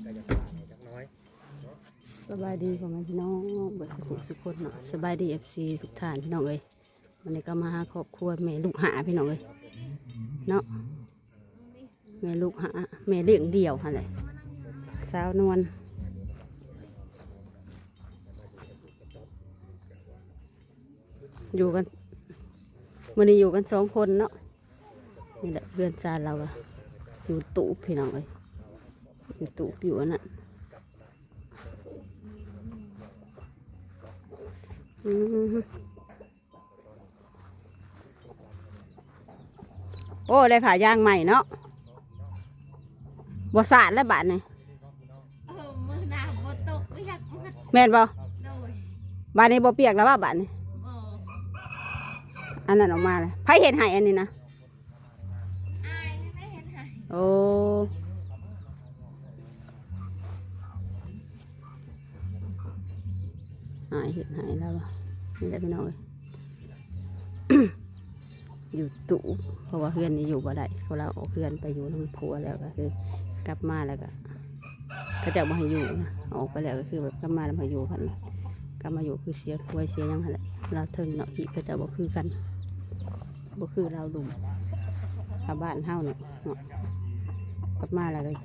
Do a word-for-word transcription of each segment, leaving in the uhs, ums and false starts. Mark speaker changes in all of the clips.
Speaker 1: สบายดีพ่อแม่พี่น้องเบิดสุขสุขคนเนาะสบายดีเอฟซีทุกท่านพี่น้องเอ้ยวันนี้ก็มาหาครอบครัวแม่ลูกหาพี่น้องเอ้ยเนาะแม่ลูกหาแม่เลี้ยงเดี่ยวอะไรสาวนวลอยู่กันวันนี้อยู่กันสองคนเนาะนี่แหละเพื่อนจานเราอะอยู่ตู้พี่น้องเอ้ยอยู่ตู้อยู่อันนั้นโอ้ได้ผ่ายางใหม่เนาะบ่สาดแล้วบาดนี่
Speaker 2: เออมือหนาบ่ตกไม่อยากมืด
Speaker 1: แม่นบ่
Speaker 2: โดย
Speaker 1: บาดนี้บ่เปียกแล้วว่าบาดนี่
Speaker 2: บ่
Speaker 1: อันนั้นออกมาเลยไผเห็นให้อันนี้นะ
Speaker 2: อายไม่เห็นหาย
Speaker 1: โอ้หายเห็นหายแล้วนี่แหละพี่น้อง อยู่ตู้เพราะว่าเพื่อนนี่อยู่บ่ได้เขาเราเอาเพื่อนไปอยู่น้ำพัวแล้วก็คือกลับมาแล้วก็เขาจะมาให้อยู่นะออกไปแล้วก็คือแบบกลับมาแล้วมาอยู่กันกลับมาอยู่คือเสียควยเสียยังไงเราเทิงเนาะที่ก็จะบ่คือกันบ่คือเราดุมชาวบ้านเฮาเนี่ยเนาะกลับมาแล้วก็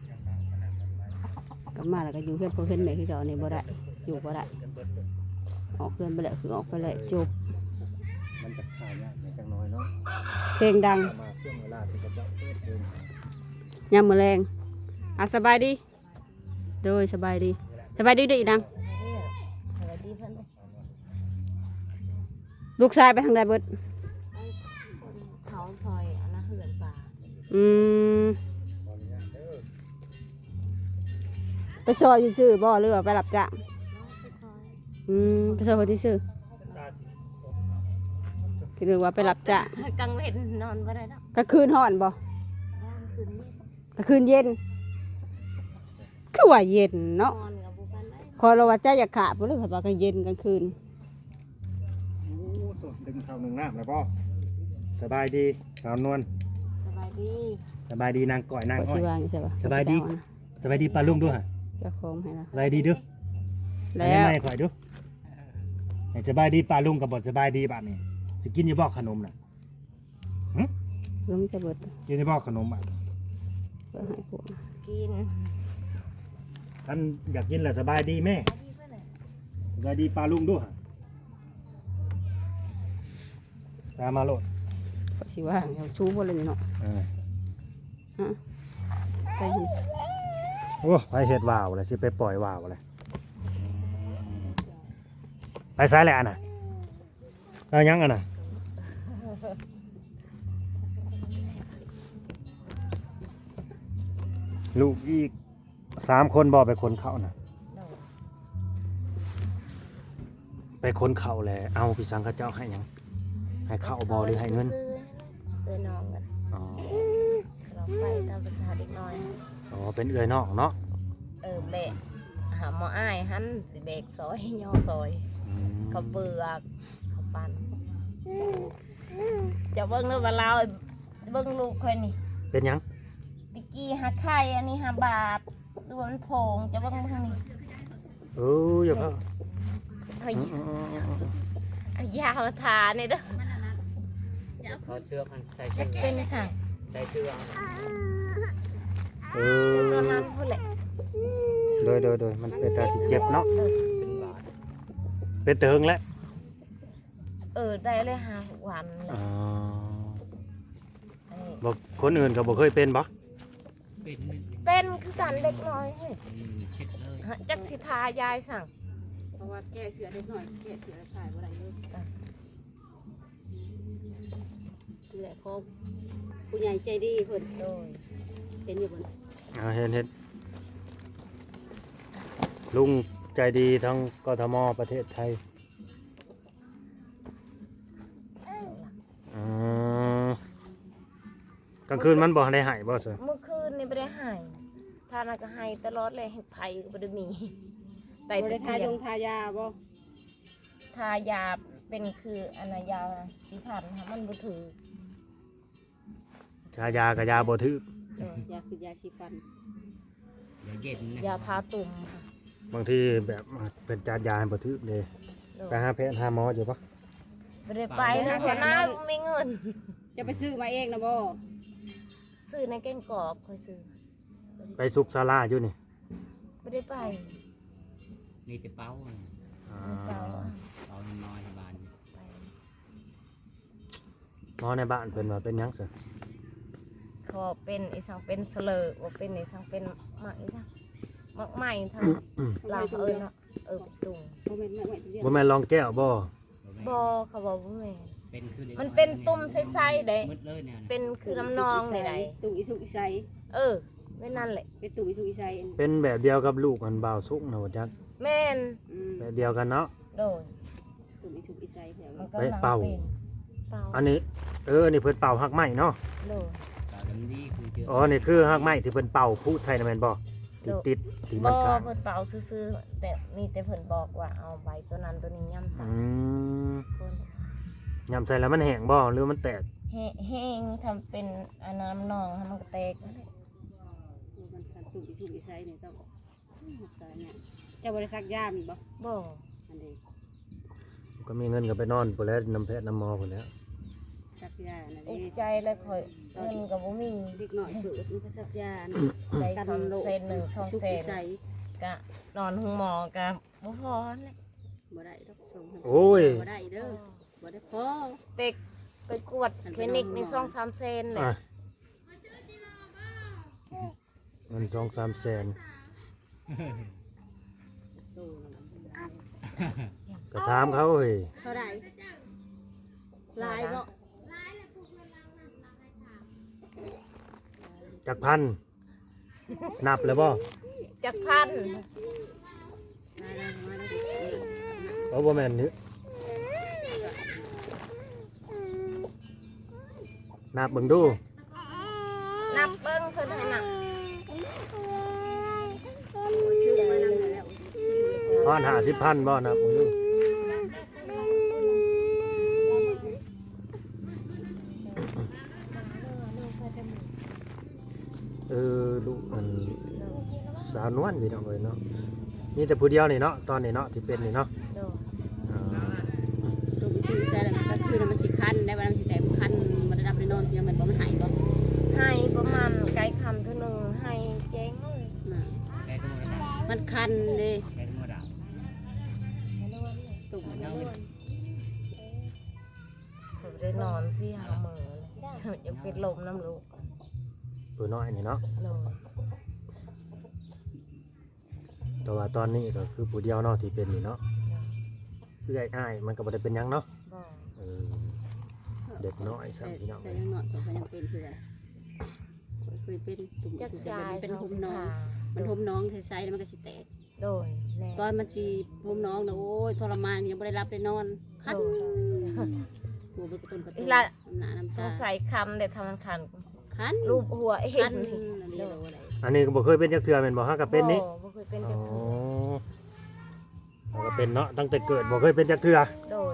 Speaker 1: กลับมาแล้วก็อยู่เพื่อนเพื่อนแม่คือเก่านี่บ่ได้อยู่บ่ได้ออกเพื่อนไปแล้วคือออกไปแล้วจบ
Speaker 3: มันจะข่าวยากในจังน้อยเนาะ
Speaker 1: เพลงดัง
Speaker 3: มาเชื่อมเวลาที่จะเจาะเปิดเพลง
Speaker 1: ยามมื้อแรงอ่ะสบายดีโดยสบายดีสบายดีดีดังลูกชายไปทางใดเบิด
Speaker 2: เขาซอยอันนั้นเหือนป่า
Speaker 1: อืมไปซอยซื่อๆบ่หรือว่าไปรับจ้างอืมไปซอยคนที่ซื่อคือว่าไปรับจ้าง
Speaker 2: กลางเว้นนอนบ่ได้แล้ว
Speaker 1: กลางคืนห่อนบ่กลางคืนเย็นคือว่าเย็นเนาะคอยเราว่าใจอยากขาดเพราะเรื่องว่ากลางเย็นกลางคืน
Speaker 3: โอ้ตัวดึงเข้าหนึ่งน้ำแล้วป่ะสบายดีสาวนวล
Speaker 2: สบายดี
Speaker 3: สบายดีนางก่อยนางอ้อยสบายดีสบายดีปลาลุงด้วยฮะ
Speaker 1: จะโค้งให้นะ
Speaker 3: สบายดีด้วยแล้วไม่ข่อยด้วยสบายดีปลาลุงกับบทสบายดีบ้านนี้จะกินยี่บอกขนมน่ะ
Speaker 1: ลุงจะเบิด
Speaker 3: กินยี่บอกขนมอ่ะ
Speaker 1: เพื่อให้พวก
Speaker 2: กิน
Speaker 3: ท่านอยากกินแหละสบายดีแม่สบายดีปลาลุงด้วยตามมาโลด
Speaker 1: ก็สิว่าเอาชูพวกเลยเนาะฮะไป
Speaker 3: โอ้ไปเห็ดว่าวเลยสิไปปล่อยว่าวเลยไปซ้ายแหละน่ะเอายังอ่ะน่ะลูกอีกสามคนบอกไปคนเขาน่ะไปคนเขาแหละเอาพี่สังข้าเจ้าให้ยังให้เข้าบอหรือให้เงิน
Speaker 2: เอ้ยน้องกัน
Speaker 3: อ๋อ
Speaker 2: เราไปตามภาษาเด็กน้อย
Speaker 3: อ๋อเป็นเอ้ยน้องเนาะ
Speaker 2: เออเบะหาหมออ้ายหันสิเบกซอยย่อซอยเขาเบื่อเขาปั่นจะเบิ้งเรื่องว่าเราเบิ้งลูกคนนี้
Speaker 3: เป็นยัง
Speaker 2: ตะกี้หักไข่อันนี้ห้าบาทดูมันโผงจะเบิ้งทางนี้
Speaker 3: เอออย่าเพิ่ง
Speaker 2: เฮ้ยยามาทาเนี่ยเด้อ
Speaker 4: เขาเชือกใส่เชือก
Speaker 2: เป็นสั่ง
Speaker 4: ใส่เชือก
Speaker 3: เออ
Speaker 2: ประมาณพูดแหละ
Speaker 3: โดยโดยโดยมันเป็นตาสิเจ็บเนาะ
Speaker 4: เป็นบาท
Speaker 3: เป็นเติงแล้ว
Speaker 2: เออได้เลยห้าวันเลย
Speaker 3: บอกคนอื่นเขาบอกเคยเป็นบ่
Speaker 4: เป็น
Speaker 2: เป็นคือการเล็กน้อยจักสิทายายสั่ง
Speaker 1: เพราะว่าแก้เสือเล็กน้อยแก้เสือขายอะไรเยอะคือแหละเขาผู้ใหญ่ใจดีเพิ่นโดยเป็นอยู่บน
Speaker 3: เห็นเห็นลุงใจดีทั้งกทมประเทศไทยกลางคืนมันบอกได้หายบ่เสือ
Speaker 2: เมื่อคืนนี่ไม่ได้หายทานก็หายตลอดเลยไผ่ก็ไม่ได้มี
Speaker 1: แต่ไม่ได้ทายงทายาบ่
Speaker 2: ทายาเป็นคืออนายาสีพันค่ะมันบ่ถือ
Speaker 3: ทายากับยาบ่ถือย
Speaker 1: าคือยาสีฟัน
Speaker 4: เย็นนะ
Speaker 2: ยาทาตุ่มค่ะ
Speaker 3: บางทีแบบเป็นจานยาให้บ่ทึกเด้
Speaker 2: โดย
Speaker 3: ไปหาแพทย์หาหมออยู่ปะ
Speaker 2: บ่ได้ไปนะหัวหน้าไม่เงิน
Speaker 1: จะไปซื้อมาเองนะบ่
Speaker 2: ซื้อในแกงกอกค่อยซื้อ
Speaker 3: ไปสุกศาลาอยู่นี่
Speaker 2: บ่ได้ไป
Speaker 4: นี่จะเป้าน่ะ
Speaker 3: อ่า
Speaker 2: เปล่า
Speaker 4: เป้าน้อยๆในบ้านนี่
Speaker 2: ไป
Speaker 3: หมอในบ้านเพิ่นว่าเป็นหยังซะ
Speaker 2: ขอเป็นไอ้สังเป็นเสลอว่าเป็นไอ้สังเป็นหมักไอ้สังหมักใหม่ทางลาวเอิ้นเนาะเออตุง
Speaker 1: บ่แม่นไม่ไม่เดียว
Speaker 3: บ่แม่นรองแก้วบ่
Speaker 2: บ่เขาบอกว่าแม่น
Speaker 4: เป็นคือด็ก
Speaker 2: มันเป็นตุ่มใสๆได้
Speaker 4: มืดเลยเนี่ยนะ
Speaker 2: เป็นคือน้ำนองได้
Speaker 1: ตุ่มอีสุกอีไซ
Speaker 2: เออไม่นั่นแหละ
Speaker 1: เป็นตุ่มอีสุกอีไซ
Speaker 3: เป็นแบบเดียวกับลูกอันบ่าวสุกนะว่าจัก
Speaker 2: แม่น
Speaker 1: อืม
Speaker 3: แบบเดียวกันเนาะ
Speaker 2: โดย
Speaker 1: ตุ่มอีสุกอีไซแถว
Speaker 2: มัน
Speaker 1: นี้
Speaker 2: ก็
Speaker 3: ไปเป่า
Speaker 2: เป่า
Speaker 3: อันนี้เอออันนี้เพิ่นเป่าหักไม้เนาะ
Speaker 2: โดย
Speaker 4: ตาดำดีคือเจอ
Speaker 3: อ๋อนี่คือหักไม้ที่เพิ่นเป่าผู้ใส่น่ะแม่นบ่ติดติดที่
Speaker 2: บ่
Speaker 3: มันขาด
Speaker 2: เพิ่นเป่าซื่อๆแต่มีแต่เพิ่นบอกว่าเอาใบตัวนั้นตัวนี้ย่ำใส่
Speaker 3: อืม
Speaker 2: เพิ่น
Speaker 3: ยำใส่แล้วมันแห้งบ่หรือมันแตก
Speaker 2: แห้แห้งทำเป็นอันน้ำนองให้มันกระแตกนั่นแหละ
Speaker 1: มันคันตุ่มอีสุกอีไซนี่ต้องรักษาเนี่ยเจ้าบ่ได้ซักยามีบ่
Speaker 2: บ่
Speaker 1: อันนี้
Speaker 3: ก็มีเงินก็ไปนอนพุ่นแล้วน้ำแพทย์น้ำหมอพุ่นแล้ว
Speaker 1: ซักยาอัน
Speaker 2: อุ
Speaker 1: นี้
Speaker 2: กใจเลยข่อยเงินก็บ่มี
Speaker 1: เด็กน้อยเกิดมันก็ซักยา
Speaker 2: ได้
Speaker 1: กัน
Speaker 2: สอง
Speaker 1: โรค
Speaker 2: เซนหนึ่งสอง
Speaker 1: สุก
Speaker 2: เซ
Speaker 1: อี
Speaker 2: น
Speaker 1: ไซ
Speaker 2: ก็นอนห้องหมอก็บ่พอนั่นแหละ
Speaker 1: บ่ได้ดอกส่งให้
Speaker 3: โอ้ย
Speaker 1: บ่ได้เด้อบ่ได้พอ
Speaker 2: เด็กไปกวดคลินิกนี่สองสามเซนเลย
Speaker 3: อ่ะเงินสองสามแสน
Speaker 1: โตแล้วมันได้
Speaker 3: ก็ถามเขาเฮ้ย
Speaker 1: เท่าไหร่ลายบ่
Speaker 3: จักพันนับแล้วบ่
Speaker 2: จักพัน
Speaker 1: ลายลายมาได้
Speaker 3: เอาบ่แม่นนี่นับเบิ่งดู
Speaker 2: นับเบิ้งเพิ่นให้นับ
Speaker 1: ชื่อมานั่งแล้ว
Speaker 3: พอนห้าสิบพันบ่นับเบิ่งดูเออลูกมันสาวนวลพี่น้องเอ้ยเนาะมีแต่ผู้เดียวนี่เนาะตอนนี้เนาะที่เป็นนี่เนาะ
Speaker 2: โด
Speaker 3: อ่า
Speaker 1: ตัววิสุทธิ์ใจแล้วมันก็คือมันสิคันได้วันมันสิแต่คันมันได้รับได้นอนเพียงมันบ่มันหายบ่
Speaker 2: ให้ประมาณไกลคำเท่านึงให้เจ๊งเลย
Speaker 4: แกก็มือดา
Speaker 1: มันคันเด้
Speaker 4: แกก็มือดา
Speaker 1: ตุ่ม
Speaker 4: เน่าเป็น
Speaker 2: ผมได้นอนสิหามือเลยยังเป็นลมน้ำลูก
Speaker 3: ตัวน้อยนี่เนาะ
Speaker 2: โดย
Speaker 3: แต่ว่าตอนนี้ก็คือผู้เดียวเนาะที่เป็นนี่เนาะคือไอ้อ้ายมันก็บ่ได้เป็นหยังเนาะ
Speaker 2: บ่
Speaker 3: เออเด็กน้อยซ้ำพี่น้อง
Speaker 1: แต่
Speaker 3: เอ้ย
Speaker 1: ยังนอนก็ยังเป็นคืออะไรเคยเป็นตุ่ม
Speaker 2: จัก
Speaker 1: สุด
Speaker 2: จา
Speaker 1: ใจ
Speaker 2: ย
Speaker 1: มันเป็นหุมน้อง
Speaker 2: มั
Speaker 1: มันหุมน้องใส่ๆแล้วมันก็สิแตก
Speaker 2: โดยแน่
Speaker 1: ตอนมันสิหุมน้องนะโอ้ยทรมานยังบ่ได้รับได้นอนคันหัวมันกระตุ้นกระตุ้นน้ำหน้าน้ำ
Speaker 2: ส
Speaker 1: ตาง
Speaker 2: สัยคำเด็ดทำมันคัน
Speaker 1: คัน
Speaker 2: รูปหัวเอ
Speaker 1: คั
Speaker 2: ง
Speaker 1: นอันนี้เราอะไร
Speaker 3: อันนี้ก็บ่เคยเป็นจักเทื่อแม่นบ่ฮะก็เป็นนี่
Speaker 2: บ่บ่เคยเป็น
Speaker 3: อ๋
Speaker 2: จั
Speaker 3: อก
Speaker 2: เทื่อ
Speaker 3: แล้วก็เป็นเนาะตั้งแต่เกิดบ่เคยเป็นจักเทื่อ
Speaker 2: โดย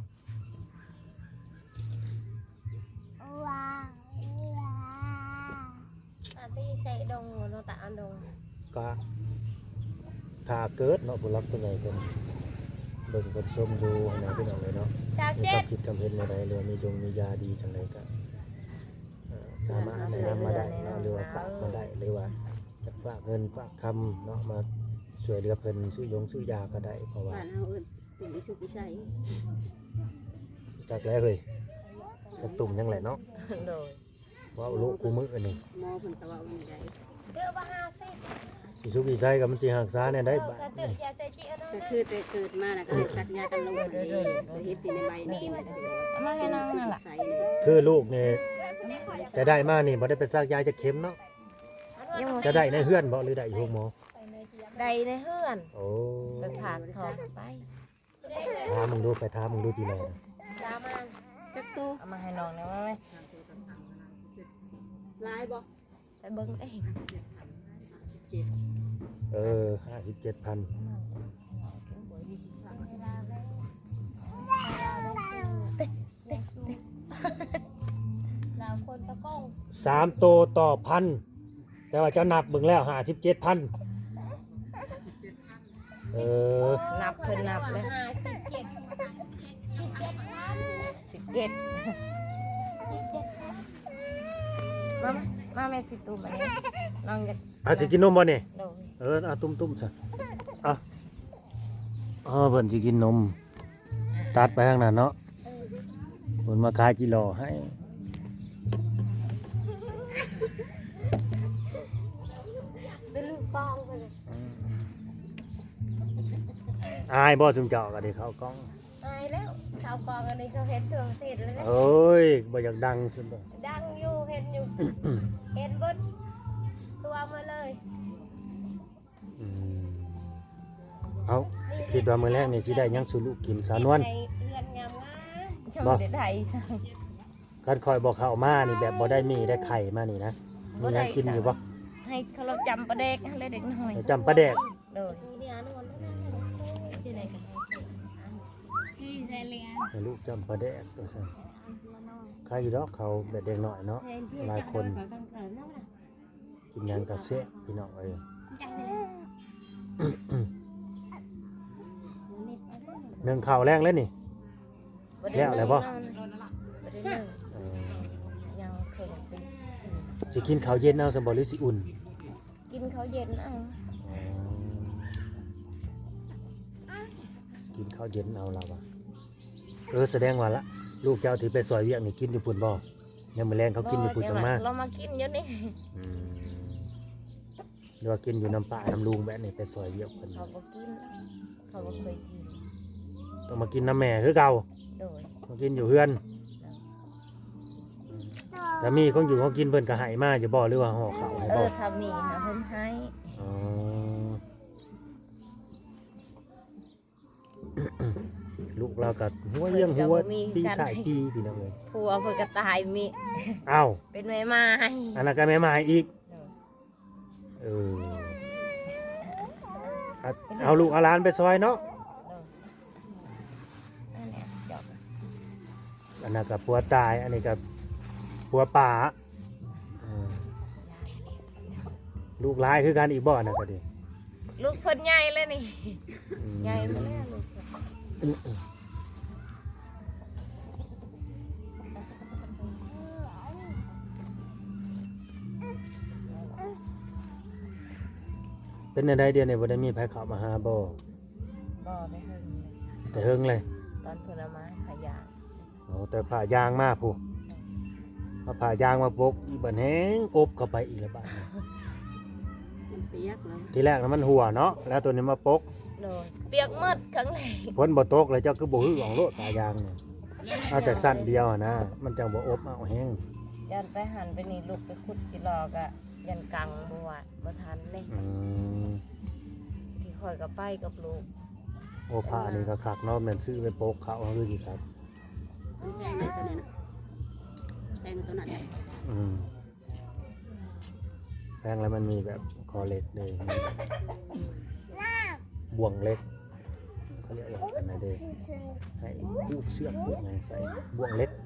Speaker 2: อาตีใส่ดงโนตะอันดง
Speaker 3: ก็ถ้าเกิดเนาะผู้รักผู้ใหญ่เพิ่นเบิ่งเพิ่นชมดูนะพี่น้องเอ้ยเนาะ
Speaker 2: จาก
Speaker 3: มี
Speaker 2: เจ็
Speaker 3: ควา
Speaker 2: ด
Speaker 3: มคิดความเห็นอะไรหรือว่ามีจงมียาดีจังไดก็เอ่อสามารถแนะนำมาได้เนาะหรือว่าฝากมาได้หรือว่าจะฝากเงินฝากคำเนาะมาช่วยเหลือเพิ่นซื้อยงซื้อยาก็ได้เพราะว่า
Speaker 1: บ้านเฮาเอิ้นตุ่มวิสุทธิ์วิสัย
Speaker 3: จากแล้วเฮ้ยกระตุ่มยังแหละเนาะ
Speaker 2: โดย
Speaker 3: ว่าเอาลูกกูมืออันนี้
Speaker 1: หมอเพิ่นก็ว่าว่าได
Speaker 2: เดือบห้าสิบ
Speaker 3: อีสุกอีใจกับมันสิหักษาเนี่ยได้บาด
Speaker 2: กระตือยาเตจิอัน
Speaker 1: ก็
Speaker 2: นั้น
Speaker 1: คือแต่เกิดมาน่ะก็ได้สักยากันลงมาเลยเฮ็ดติในใบนี่มาได้
Speaker 2: มาให้น้องนั่นแหละ
Speaker 1: ใส่นี่
Speaker 3: คือลูกเนี่ยจะได้มานี่บ่ได้ไปซักยาจะเข็มเนาะจะได้ในเฮือนบ่หรือได้อยู่หมอ
Speaker 2: ใดในเฮือน
Speaker 3: โอ้
Speaker 2: ไปผากทองไป
Speaker 3: ถามมึงดูไปถามมึงดูทีไร
Speaker 2: ตามมา
Speaker 1: จักโต
Speaker 2: เอามาให้น้องนะว่าไหม
Speaker 1: ลายบ่
Speaker 2: ไปเบิ้งเอง
Speaker 1: เจ็ด
Speaker 3: เออห้าสิบเจ็ดพัน
Speaker 2: เราคนตะก้ง
Speaker 3: สามโตต่อพันแต่ว่าเจ้านับเบิ่งแล้วห้าสิบเจ็ดพัน
Speaker 2: โ
Speaker 3: เออ
Speaker 2: นับเพิ่นนับเลยสิบเจ็ดมามาแม่สิตูมาเนี่ยน้องจะ
Speaker 3: อาสิกินนมบ่นี่
Speaker 2: โดย
Speaker 3: เออเอาตุ้มๆซะอ่ะอ๋อเพิ่นสิกินนมตัดไปข้างนั้นเนาะเพิ่นมาขายกิโลให้
Speaker 2: เป็นลูกปองไปเลย
Speaker 3: อายบ่ซุมเจ้าก็ได้เข้ากล้อง
Speaker 2: ตายแล้วชาวกองอันนี้เขาเห็นทั่วประเทศเลยนะ
Speaker 3: เอ้ยบ่อยากดังซุมบ่
Speaker 2: ดังอยู่เห็นอยู่ เห็นเบดตัวมาเลย
Speaker 3: อืมเอาคิดว่ามื้อแรกนี่สิได้หยังสู่ลูกกินสาวนวล
Speaker 2: เรือนงามงามชม
Speaker 3: บ่
Speaker 2: เด็ดไทยใช่
Speaker 3: คันคอยบ่เข้ามานี่แบบบ่ได้มีได้ไข่มานี่นะมีหยังกินอยู่บ่
Speaker 2: ให้เขาเราจำประเด็กให้เด็กหน่อย
Speaker 3: จำปลาแดก
Speaker 2: โดย
Speaker 3: ให้ลูกจำปลาแดกว่าซั่นใครอยู่ดอกเขาแบบเด็กน้อยเนาะหลายคนกินหยังก็แซ่บพี่น้องเอ้ย หนึ่งข้าวแรงแล้วนี่ แล้วอะไรบ่
Speaker 2: บ่ได้นึ่ง
Speaker 3: เออ
Speaker 2: ยังเคยกิน
Speaker 3: สิกินข้าวเย็นเอาสมบ่หรือสิอุ่น
Speaker 2: กินเขาวเย็นเอา
Speaker 3: อ๋อกินข้าวเย็นเอาล่ะว่ะเออแสดงว่าละลูกเจ้าที่ไปซอยเวียกนี่กินอยู่พุ่นบ่ยังมื้อแรงเขากินอยู่พุ่นจังมา
Speaker 2: เรามากินเยอะนี่
Speaker 3: อืมหรือว่ากินอยู่น้ำป่าน้ำลุงแบบนี้ไปซอยเวียกเพิ่น
Speaker 2: เขาบ่กินเขาบ่เคยกิน
Speaker 3: ต้องมากินน้ำแม่คือเก่า
Speaker 2: โดย
Speaker 3: มากินอยู่เฮือนแต่มีของอยู่ของกินเพิ่นก็ให้มาอยู่บ่หรือว่าห่อข้าวให้
Speaker 2: เอ
Speaker 3: บ่
Speaker 2: อทำนี่นะเพิ่นให้
Speaker 3: อ๋อ ลูกเรากับหัวเลี้ยงหัวปีถ่ายปีพี่น้องเลย
Speaker 2: ผัวเพิ่นก็ตายมี
Speaker 3: อ้าว
Speaker 2: เป็นแม่ไม้
Speaker 3: อันนั้นก็แม่มาอีกเออเอาเอาลูกเอาหลานไปซอยเนาะ
Speaker 2: อันเนี้ยจบ
Speaker 3: อันนั้นกับผัวตายอันนี้กับผัวป่าเออลูกหลายคือกันอีกบ่อนนะก็ดี
Speaker 2: ลูกเพิ่นใหญ่เลยนี่
Speaker 3: อืม
Speaker 2: ใหญ่มาแล้วลูกเพิ่น
Speaker 3: เป็นในใดเดียวในบ่ได้มีไผเข้ามาหาบ่
Speaker 2: บ่ได้เพิ่นเลย
Speaker 3: แต่เฮิงเลย
Speaker 2: ตอนเพิ่นเอามาให้ขายยาง
Speaker 3: โอ้แต่ผ่ายางมาผู้มาผ่ายางมาปกอีบันแห้งอบเข้าไปอีกแล้วบัดนี้
Speaker 1: มันเปียกแล้ว
Speaker 3: ทีแรกนะมันหัวเนาะแล้วตัวนี้มาปก
Speaker 2: โดยเปียกหมดข้างใน
Speaker 3: ฝนบ่ตกเลยเจ้าคือบ่ฮือของโลดผ่ายางเนี่ยเอาแต่สั้นเดียวอะนะมันจังบ่อบเอาแห้ง
Speaker 2: ยันไปหันไปนี่ลูกไปขุดจิรอกะยันกังบ่ว่าบ่ทันนี่
Speaker 3: อืม
Speaker 2: ที่คอยก็ไปกับลูก
Speaker 3: โอ้ผ้านี่ก็คักเนาะแม่นซื้อไปปกเขาเอาคือสิครับ
Speaker 1: มันแพงเลยตัวนี้นะแพงกว่าตัวนั้นเลย
Speaker 3: อืมแพงแล้วมันมีแบบคอเล็กเลยมีบ่วงเล็กเขาเรียกว่าอันไหนเด้ให้ผูกเสื้อผูกหยังใส่บ่วงเล็ก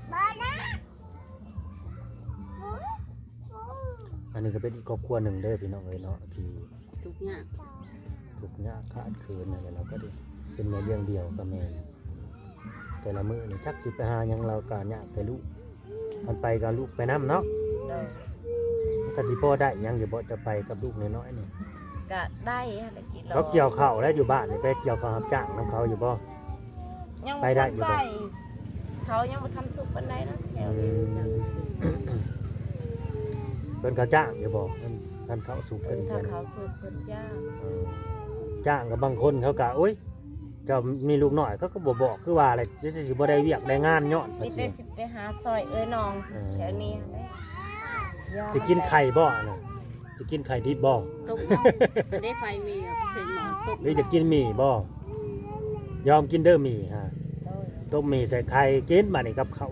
Speaker 3: อันนี้ก็เป็นอีกครอบครัวหนึ่งเด้อพี่น้องเอ้ยเนาะที่
Speaker 1: ทุกอย่าง
Speaker 3: ทุกข์ยากขาดเคินอะไรเราก็ได้เป็นแม่เลี้ยงเดียวกับแม่แต่ละมื้อนี่จักสิไปหาหยังเราก็ยากแต่ลูกมันไปกับลูกไปน้ำเนาะ
Speaker 2: โดย
Speaker 3: มันก็สิพอได้หยังอยู่บ่จะไปกับลูกน้อยๆนี่
Speaker 2: ก็ได้อะไรกิโล
Speaker 3: เขาเกี่ยวข้าวแล้วอยู่บ้านนี่ไปเกี่ยวข้าวรับจ้างนํเขาอยู่บ่
Speaker 2: ยัง
Speaker 3: ไปได้อยู่
Speaker 2: ไป
Speaker 3: บ่
Speaker 2: เขายังบ่ทันสุกปานใดนะแถว
Speaker 3: อื
Speaker 2: นี้
Speaker 3: มเพิ่นเขาจ้างอยู่บ่เพิ่นท่านเขาสุกกัน
Speaker 2: ถ้า
Speaker 3: เพิ่น
Speaker 2: เขาสุกเพิ่นจ้าง
Speaker 3: เออจ้างกับบางคนเขาก็โอ๊ยเจ้ามีลูกน้อยเขาก็บ่บอกคือว่าอะไรสิบ่ได้เวียกได้งานย้อน
Speaker 2: มี
Speaker 3: ว่า
Speaker 2: แต่
Speaker 3: สิ
Speaker 2: สิไปหาซอยเอ้ยน้อง
Speaker 3: เออ
Speaker 2: แถวนี้เด้ยอม
Speaker 3: สิกินไข่บ่น่ะสิกินไข่ดิบบ่
Speaker 1: ตกเนาะจะได้ไฟมีแบบเห็นหมอนตก
Speaker 3: หรือจะกินหมี่บ่ยอมกินเด้อหมี่ฮะ
Speaker 2: โดย
Speaker 3: ต้มหมี่ใส่ไข่กินมานี่กับเขาว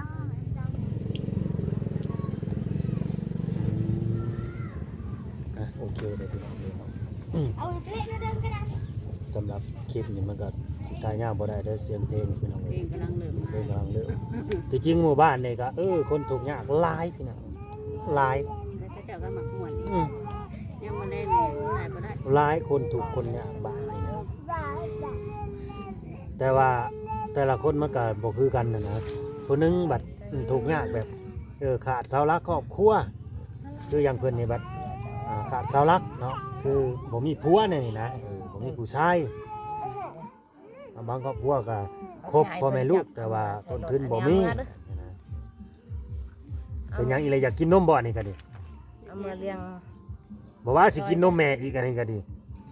Speaker 3: อ่ะโอเคเดี๋ยวพี่น้องเดี๋ยวเนาะอืม
Speaker 2: เอาเพลงเดิมก็ได้
Speaker 3: สำหรับคลิปนี้มันก็สิตายยากบ่ได้เด้อเสียงเพลงพี่น้อง
Speaker 1: เพล
Speaker 3: เอ้ย
Speaker 1: งกำลังเริ่ม
Speaker 3: เพ
Speaker 1: มา
Speaker 3: ลงกำลังเริ่มที่จริงหมู่บ้านนี่ก็เออคนทุกข์ยากหลายพี่น้องหลาย
Speaker 1: แล้วก็เจ้าก็หมักหมวน
Speaker 3: อืม
Speaker 1: ยังมาเล่นเลยได้บ่ได้
Speaker 3: หลายคนถูกคนยากบ้านนี่นะแต่ว่าแต่ละคนมันก็บ่คือกันนะนะคนหนึงบัดถูกยากแบบเออขาดเสาหลักครอบครัวคืออย่างเพิ่นนี่บัดอ่าขาดเสาหลักเนาะคือบ่มีผัวเนี่ยนี่นะเออบ่มีผู้ชายบางครอบครัวก็ครบพ่อแม่ลูกแต่ว่าต้นทุนบ่มีเป็นหยังอีเลยอยากกินนมบ่นี่ก็ดิ
Speaker 2: เอามาเลี้ยง
Speaker 3: บ่ว่าสิกินนมแม่อีกอันนี้ก็ดี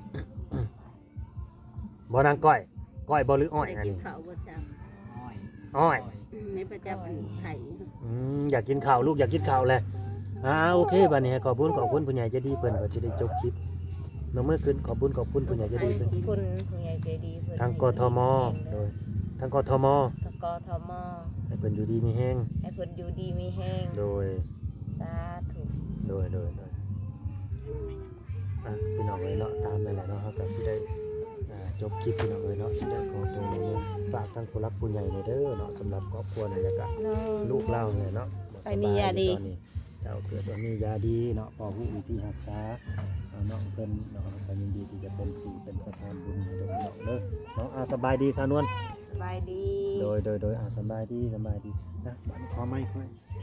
Speaker 3: บ่นางก้อยก้อยบ่หรืออ้อย
Speaker 1: ได้
Speaker 3: อัน
Speaker 1: กิน
Speaker 3: นี้
Speaker 1: ข้าวบ่จ้ะ
Speaker 4: อ้อย
Speaker 3: อ้อย
Speaker 1: ในประจำอันไทย
Speaker 3: อืมอยากกินข้าวลูกอยากกินข้าวเลยอ่าโอเคบัดนี้ขอบคุณขอบคุณผู้ใหญ่ใจดีเพิ่นก็สิได้จบคลิปน้องเมื่อคืนขอบคุณขอบคุณผู้ใหญ่ใจดีเพิ่น
Speaker 2: คุณผู้ใหญ่ใจดีเพิ่น
Speaker 3: ทางกทมโดยทางกทม
Speaker 2: ทางกทม
Speaker 3: ให้เพิ่นอยู่ดีมีแฮง
Speaker 2: ให้เพิ่นอยู่ดีมีแห้ง
Speaker 3: โดย
Speaker 2: สาธุ
Speaker 3: โดยโดยโดยอ่ะพี่น้องเอ้ยเนาะตามนั่นแหละเนาะเฮาก็สิได้อ่าจบคลิปพี่น้องเอ้ยเนาะสิได้ขอตัวในเมืองฝากทางผู้รักผู้ใหญ่ในเด้อเนาะสำหรับครอบครัวนี่แล้วก็
Speaker 2: น้อง
Speaker 3: ลูกเล่าเนี่ยเนาะ
Speaker 1: ไปมียาดี
Speaker 3: ตอนนี้เจ้าเกิดว่ามียาดีเนาะพอผู้วิธีรักษาเอาเนาะเพิ่นเนาะก็ยินดีที่จะเป็นสิ่งเป็นสถานบุญให้เด้อเนาะเด้อเนาะอาสบายดีสาวนวล
Speaker 2: สบายดี
Speaker 3: โดยโดยโดยอาสบายดีสบายดีนะบัดขอไม้ค่อย